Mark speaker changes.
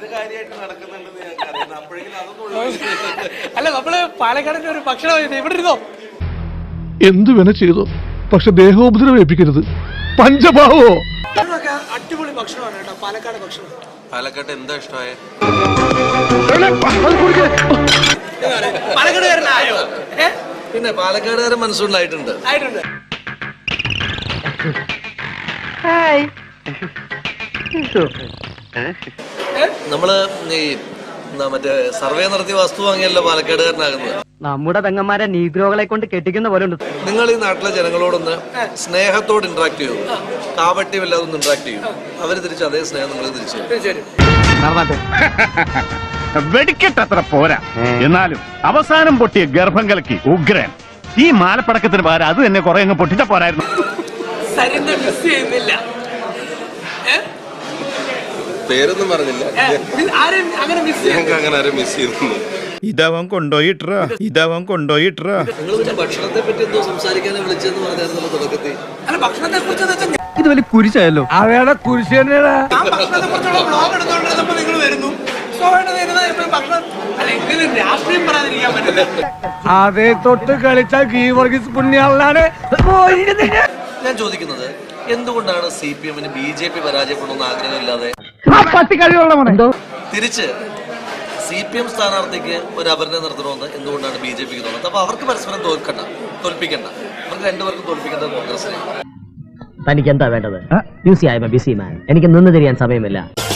Speaker 1: അല്ല നമ്മള് പാലക്കാടിന്റെ ഒരു ഭക്ഷണം ഇവിടെ ഇരുന്നോ
Speaker 2: എന്തു വേണ ചെയ്തോ, പക്ഷെ ദേഹോപദ്രവം ഏൽപ്പിക്കരുത്. പഞ്ചഭാവോ
Speaker 1: അടിപൊളി ഭക്ഷണമാണ് കേട്ടോ പാലക്കാട് ഭക്ഷണം.
Speaker 3: പാലക്കാട്ട് എന്താ ഇഷ്ടമായ
Speaker 1: പാലക്കാടുകാരനായോ?
Speaker 3: പിന്നെ പാലക്കാടുകാരൻ മനസ്സുകൊണ്ടായിട്ടുണ്ട്. നമ്മള് ഈ മറ്റേ സർവേ നടത്തിയ വസ്തു വാങ്ങിയല്ലോ പാലക്കാടുകാരനാകുന്നത്.
Speaker 4: നമ്മുടെ പെങ്ങന്മാരെ നീഗ്രോകളെ കൊണ്ട് കെട്ടിക്കുന്ന പോലെ ഉണ്ട്.
Speaker 3: നിങ്ങൾ ഈ നാട്ടിലെ ജനങ്ങളോടൊന്ന് സ്നേഹത്തോട് ഇന്ററാക്ട് ചെയ്യൂ, കാപട്യമില്ലാതെ ഒന്ന് ഇന്ററാക്ട് ചെയ്യൂ. അവര് തിരിച്ച് അതേ സ്നേഹം നിങ്ങൾ തിരിച്ചു.
Speaker 5: വെടിക്കെട്ടത്ര പോരാ, എന്നാലും അവസാനം പൊട്ടിയ ഗർഭം കലക്കി ഉഗ്രൻ. ഈ മാലപ്പടക്കത്തിന് പകരം അത് തന്നെ കുറെ അങ്ങ് പൊട്ടിച്ച പോരായിരുന്നു.
Speaker 3: പേരൊന്നും പറഞ്ഞില്ല, അങ്ങനെ ആരും മിസ് ചെയ്യുന്നു.
Speaker 6: ഇതവൻ കൊണ്ടോയിട്ടാ
Speaker 3: നിങ്ങൾ പിന്നെ ഭക്ഷണത്തെ പറ്റി എന്തോ സംസാരിക്കാനെ വിളിച്ചെന്ന് പറഞ്ഞായിരുന്നു തുടക്കത്തിൽ.
Speaker 1: ഭക്ഷണത്തെ കുറിച്ച്
Speaker 4: ഇത് വലിയ കുരിശായല്ലോ.
Speaker 2: അവയുടെ കുരിശ് തന്നെയാണ്.
Speaker 1: ഭക്ഷണത്തെ കുറിച്ചുള്ള ബ്ലോഗ് എടുത്തോണ്ടിരുന്നപ്പോ നിങ്ങൾ വരുന്നു. രാഷ്ട്രീയം പറയാതിരിക്കാൻ പറ്റില്ല.
Speaker 2: അതേ തൊട്ട് കളിച്ചാൽ ഗീവർഗീസ് പുണ്യാളാണ്.
Speaker 3: ഞാൻ ചോദിക്കുന്നത്, എന്തുകൊണ്ടാണ് CPM-ന് BJP പരാജയപ്പെടണമെന്ന് ആഗ്രഹമില്ലാതെ തിരിച്ച് CPM സ്ഥാനാർത്ഥിക്ക് ഒരു അപരനെ നിർത്തണമെന്ന് എന്തുകൊണ്ടാണ് BJP-ക്ക് തോന്നുന്നത്? അപ്പൊ അവർക്ക് പരസ്പരം തോൽപ്പിക്കണ്ട, അവർക്ക് രണ്ടുപേർക്കും തോൽപ്പിക്കേണ്ടത് കോൺഗ്രസിനെ.
Speaker 4: തനിക്ക് എന്താ വേണ്ടത്? ബിസി മാൻ, എനിക്ക് നിന്ന് തിരിയാൻ സമയമില്ല.